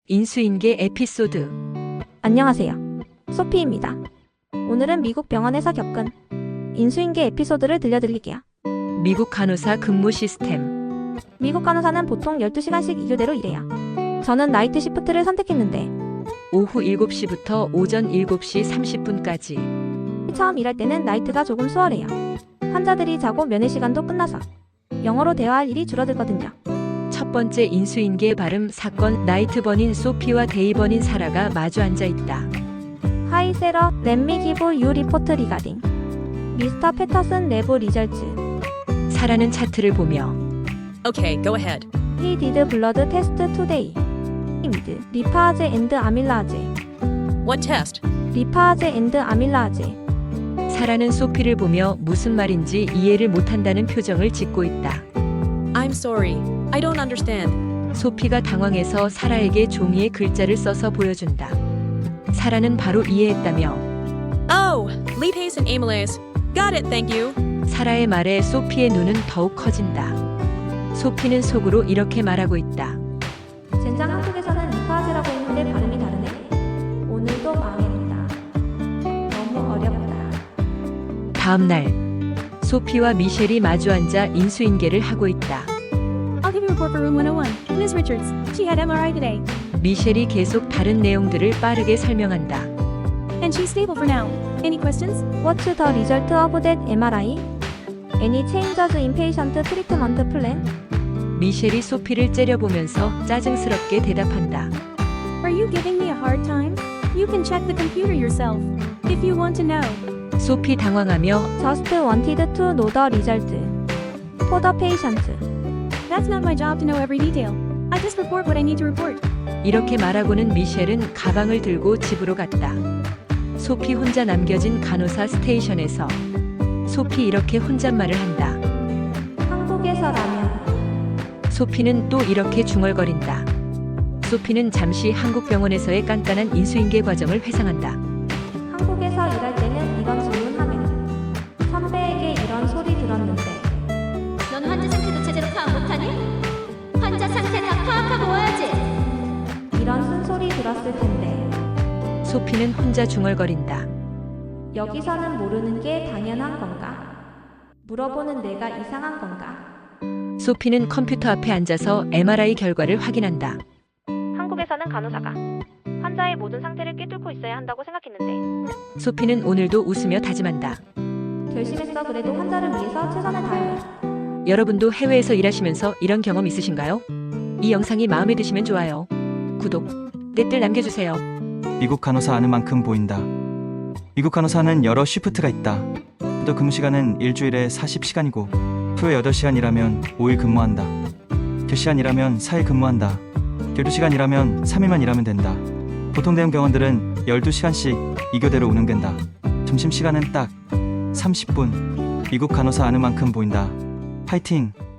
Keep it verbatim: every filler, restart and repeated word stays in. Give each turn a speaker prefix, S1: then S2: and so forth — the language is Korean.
S1: 인수인계 에피소드.
S2: 안녕하세요. 소피입니다. 오늘은 미국 병원에서 겪은 인수인계 에피소드를 들려드릴게요.
S1: 미국 간호사 근무 시스템.
S2: 미국 간호사는 보통 열두 시간씩 이 교대로 일해요. 저는 나이트 시프트를 선택했는데
S1: 오후 일곱 시부터 오전 일곱 시 삼십 분까지.
S2: 처음 일할 때는 나이트가 조금 수월해요. 환자들이 자고 면회 시간도 끝나서 영어로 대화할 일이 줄어들거든요.
S1: 첫 번째 인수인계 발음 사건. 나이트번인 소피와 데이번인 사라가 마주 앉아 있다.
S2: Hi Sarah, let me give you report regarding 미스터 패터슨 랩 리절츠.
S1: 사라는 차트를 보며
S3: Okay, go ahead.
S2: He did blood test today. with lipase and amylase.
S3: What test?
S2: lipase and amylase.
S1: 사라는 소피를 보며 무슨 말인지 이해를 못한다는 표정을 짓고 있다.
S3: I'm sorry. I don't understand.
S1: 소피가 당황해서 사라에게 종이에 글자를 써서 보여준다. 사라는 바로 이해했다며
S3: Oh, lipase and amylase. Got it, thank you.
S1: 사라의 말에 소피의 눈은 더욱 커진다. 소피는 속으로 이렇게 말하고 있다.
S2: 젠장 한국에서는 리파즈라고 했는데 발음이 다르네. 오늘도 망했다. 너무 어렵다.
S1: 다음 날 소피와 미셸이 마주 앉아 인수인계를 하고 있다.
S4: I'll give you a report for room one oh one. Miss Richards, she had M R I today,
S1: 미셸이 계속 다른 내용들을 빠르게 설명한다.
S4: and she's stable for now. Any questions?
S2: What's the result of that M R I? Any changes in patient treatment plan?
S1: 미셸이 소피를 째려보면서 짜증스럽게 대답한다.
S4: Are you giving me a hard time? You can check the computer yourself, if you want to know.
S1: 소피 당황하며
S2: Just wanted to know the result. For the patient.
S4: That's not my job to know every detail. I just report what I need to report.
S1: 이렇게 말하고는 미셸은 가방을 들고 집으로 갔다. 소피 혼자 남겨진 간호사 스테이션에서 소피 이렇게 혼잣말을 한다.
S2: 한국에서라면
S1: 소피는 또 이렇게 중얼거린다. 소피는 잠시 한국 병원에서의 깐깐한 인수인계 과정을 회상한다.
S2: 한국에서 일할 때는 이런 질문하면 선배에게 이런 소리 들었는데
S5: 넌 환자 상태도 제대로 파악 못하니? 환자 상태 다 파악하고 와야지.
S2: 이런 쓴소리 들었을 텐데
S1: 소피는 혼자 중얼거린다.
S2: 여기서는 모르는 게 당연한 건가? 물어보는 내가 이상한 건가?
S1: 소피는 컴퓨터 앞에 앉아서 엠알아이 결과를 확인한다.
S2: 한국에서는 간호사가 환자의 모든 상태를 꿰뚫고 있어야 한다고 생각했는데
S1: 소피는 오늘도 웃으며 다짐한다.
S2: 결심했어. 그래도 환자를 위해서 최선을 다할래.
S1: 여러분도 해외에서 일하시면서 이런 경험 있으신가요? 이 영상이 마음에 드시면 좋아요, 구독, 댓글 남겨주세요.
S6: 미국 간호사 아는 만큼 보인다. 미국 간호사는 여러 쉬프트가 있다. 또 근무 시간은 일주일에 사십 시간이고 토요 여덟 시간 일하면 오 일 근무한다. 백 시간 일하면 사 일 근무한다. 열두 시간 일하면 삼 일만 일하면 된다. 보통 대형 병원들은 열두 시간씩 이 교대로 운영된다. 점심시간은 딱 삼십 분. 미국 간호사 아는 만큼 보인다. 파이팅!